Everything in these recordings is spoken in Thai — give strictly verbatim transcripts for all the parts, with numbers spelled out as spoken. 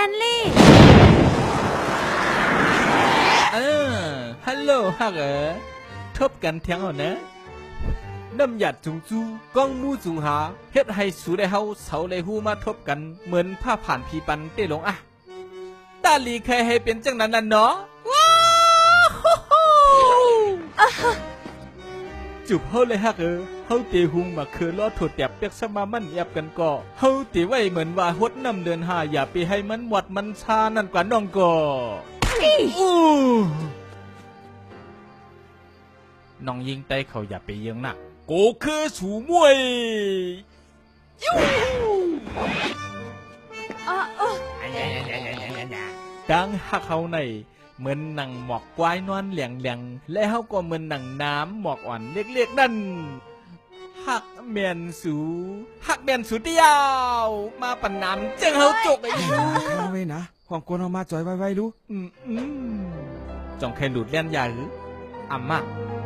นลี่เออฮัลโหลฮักเอ๋ทบกันเทียงเอานะน้ำหยัดจุงจูก้องมูจุงหาเฮ็ดให้สูได้เฮาเสาเลยหูมาทบกันเหมือนผ้าผ่านพีปันเต้ลงอะตาลีเคยให้เป็นจังนั้นน่ะเนาะว้าวจุบเฮาเลยฮักเอ๋เฮาเตหุงมาคือล้อถดแตบเปียกสมามันแอบกันก็เฮาเตไว้เหมือนว่าฮดน้ำเดินหาอย่าไปให้มันหวัดมันชานั่นกว่าน้องก็อู้น้องยิงไตเขาอย่าไปเยื้องหนักโกคือสูมวยยูดังฮักเขาในเหมือนหนังหมอกกวายนอนเหลียงเหลียงและเขาก็เหมือนหนังน้ำหมอกอ่อนเล็กๆนั่นฮักเมียนสูฮักเมียนสูเดียวมาปั่นน้ำเจ้าเขาจกไอ้ยูเอาไว้นะความกวนเอามาจ่อยไว้ๆรู้อืมอืมจองใครหลุดเลี้ยนยาหรืออ่ำมาก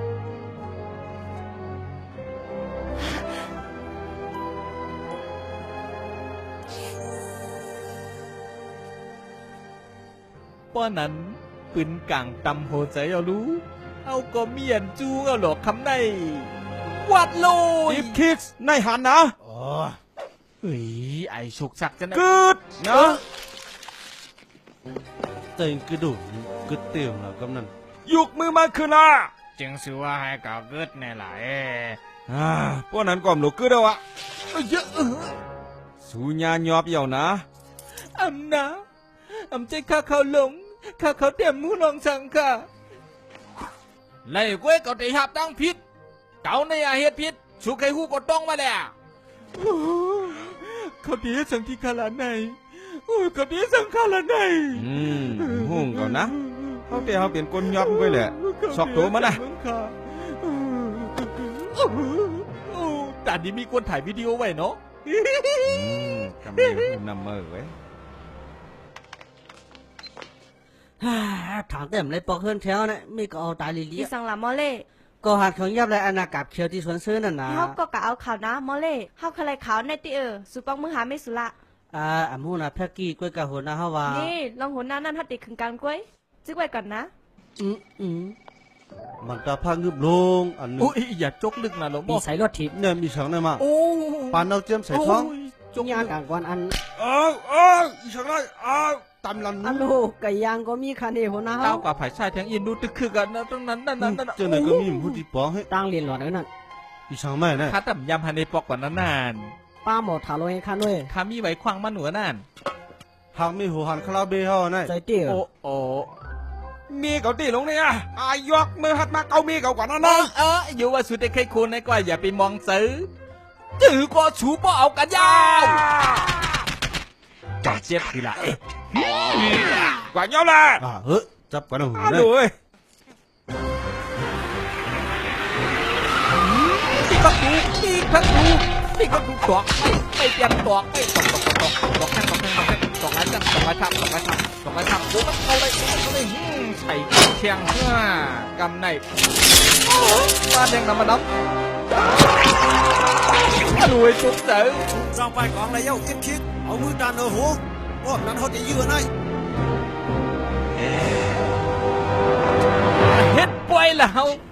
ป้อนั้นปืนกลางตำโหใจเอารู้เอาก็เมียนจูเอาหลอกคำในวัดโลยดิฟคิกส์ในหันนะอ๋อเฮ้ยไอฉุกฉักจะนะกึดนะเต็งกระดูกกึดเตียงแล้วกำนันยุกมือมาคืนละจึงสือว่าให้ก่าวกึดในหลายอ่าพวกนั้นก่อมหลูกกึดเอาอะเยอะสูญาหยอบเหี่ยวนะอำนะอำใจข้าเขาหลงข้าเขาเต็มมูลองสังค่ะไล่ก้วยเก่าตีหับตั้งพิษเก่าในอาเหตุพิษสุขให้หูกดต้องมาแล้วเขาดีสังที่ขาลาในโอ้เขาดีสังขาลาในอืมหุ่งก่อนนะเขาเตะเขาเปลี่ยนกลยอบไปแหละสอกตัวมันนะตอนนี้มีคนถ่ายวิดีโอไว้เนาะกำลังนำมือไว้ถามเต็มเลยปอกเฮือนแถวนะไม่ก็เอาตายลิลี่ที่สังละมอเล่ก็หัดของยับเลยอนากับเขียวที่สวนซื้อนั่นนะเขาก็กะเอาข่าวนะมอเล่เขาใครขาวในตีเออสุปังมือหาไม่สุละอ่าอ่ะมูนะแพ็กกี้กล้วยกะหัวนะฮาวานี่ลองหัวหน้านั่นฮัดติขึ้นการกล้วยจึกไว้ก่อนนะอืมอืมมันตาพังงึบลงอันนี้โอ้ยอย่าจกลึกนะหลวงพ่อใส่รถทิพย์เนี่ยมีฉังเนี่ยมาโอ้ปานเอาเจียมใส่ท้องจกยางกลางวันอันเออเอออีฉังได้อ้าวตำลันอันโลไก่ยางก็มีคันเดียวนะเต้ากับไผ่ชายแทงอินดูตึกคือกันนะตรงนั้นนั่นนั่นเจ้าไหนก็มีผู้ที่ปอกให้ตั้งเรียนหลอดนั่นอีช่างแม่เนี่ยข้าต่ำยำฮันในปอกกว่านั้นนานป้าหมอถาโลให้ข้าด้วยข้ามีไว้ควางมันหนัวนั่นหากมีหัวหันคาราเบลเขาเนี่ยใจเตี้ยโอ้โอ้มีเกาตีลงเนี่ยอายกมือหัดมาเกามีเก่ากว่านั้นนะเอออยู่ว่าสุดได้ใครคนในกว่าอย่าไปมองซื้อจื้อก็ชูป้อเอากันยาวจับเจ็บทีละเอ๊ะกว่าเงี้ยละอ่าเฮ้ยจับกันหนูเลยตีกระดูกตีกระดูกตีกระดูกตอกไม่ไม่เตรียมตอกไม่ตอกตอกตอกตอกแข้งตอกแข้งตอกแข้งตอกไรจับตอกไรทับตอกไรทับตอกไรทับโอ้มันเอาเลยเอาเลยใส่เชียงเพื่อกำในบ้านยังนำมาดับรวยจุกเจ๋อเราไปกองอะไรเย้าคิดคิดเอามือดันเอาหัวพวกนั้นเขาจะยืนให้เฮ็ดป่วยแล้ว